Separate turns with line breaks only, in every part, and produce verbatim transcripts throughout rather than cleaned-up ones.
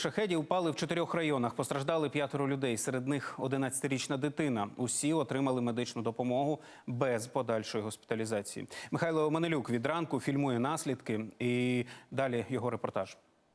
Шахеди упали в чотирьох районах. Постраждали п'ятеро людей. Серед них одинадцятирічна дитина. Усі отримали медичну допомогу без подальшої госпіталізації. Михайло Оманелюк від ранку фільмує наслідки. І далі його репортаж.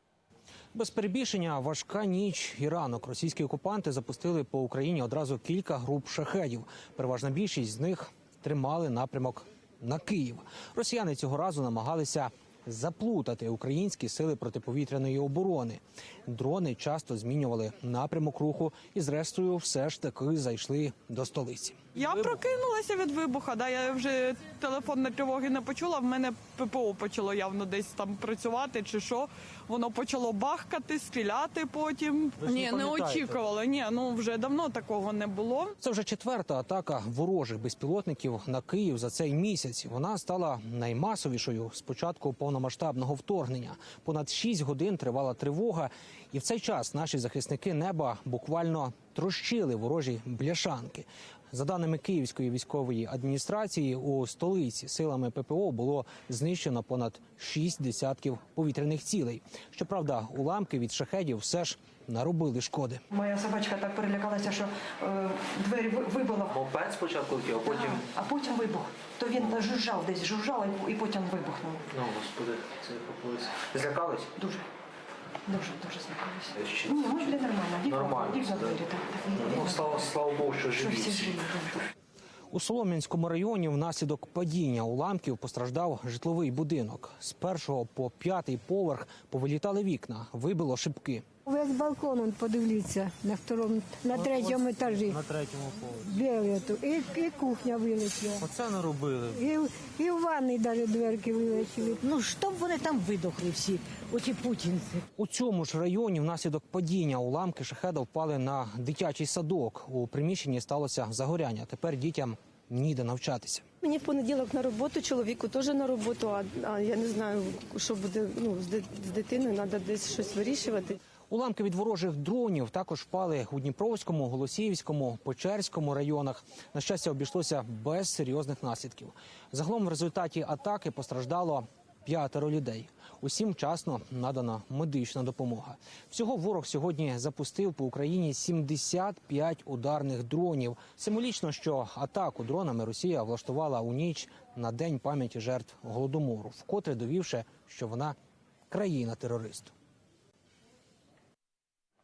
Без перебільшення, важка ніч і ранок. Російські окупанти запустили по Україні одразу кілька груп шахедів. Переважна більшість з них тримали напрямок на Київ. Росіяни цього разу намагалися заплутати українські сили протиповітряної оборони. Дрони часто змінювали напрямок руху і, зрештою, все ж таки зайшли до столиці.
Я прокинулася від вибуха, да, я вже телефонної тривоги не почула, в мене ППО почало явно десь там працювати чи що. Воно почало бахкати, стріляти потім.
Ви ж не
Ні, не
пам'ятаєте?
очікувала, ні, ну вже давно такого не було.
Це вже четверта атака ворожих безпілотників на Київ за цей місяць. Вона стала наймасовішою з початку повномасштабного вторгнення. Понад шість годин тривала тривога, і в цей час наші захисники неба буквально трощили ворожі бляшанки. За даними Київської військової адміністрації, у столиці силами ППО було знищено понад шість десятків повітряних цілей. Щоправда, уламки від шахедів все ж наробили шкоди.
Моя собачка так перелякалася, що е, двері ви- вибила,
Мопед спочатку летів, а потім...
а потім вибух. То він жужжав десь, жужжав і- і потім вибухнув.
Ну, господи, це популись. Злякались?
Дуже, дуже, дуже злякалися.
Ще-
Ні, ми були нормально. Вікна,
Нормально,
вікна
да.
двері, так, так,
Ну,
вікна.
слава, слава Богу, що
Що
живі
всі
всі.
живі. дуже.
У Солом'янському районі внаслідок падіння уламків постраждав житловий будинок. З першого по п'ятий поверх повилітали вікна, вибило шибки.
Весь балкон, он, подивіться, на второму, на третьому етажі.
На третьому поверсі.
Білету. І, і кухня вилетіла.
Оце наробили.
І, і в ванній навіть дверки вилетіли.
Ну, щоб вони там видохли всі, оті путінці.
У цьому ж районі внаслідок падіння уламки шахеда впали на дитячий садок. У приміщенні сталося загоряння. Тепер дітям ніде навчатися.
Мені в понеділок на роботу, чоловіку теж на роботу, а, а я не знаю, що буде ну, з, ди- з дитиною, треба десь щось вирішувати.
Уламки від ворожих дронів також впали у Дніпровському, Голосіївському, Печерському районах. На щастя, обійшлося без серйозних наслідків. Загалом в результаті атаки постраждало п'ятеро людей. Усім вчасно надана медична допомога. Всього ворог сьогодні запустив по Україні сімдесят п'ять ударних дронів. Символічно, що атаку дронами Росія влаштувала у ніч на День пам'яті жертв Голодомору, вкотре довівши, що вона країна-терорист.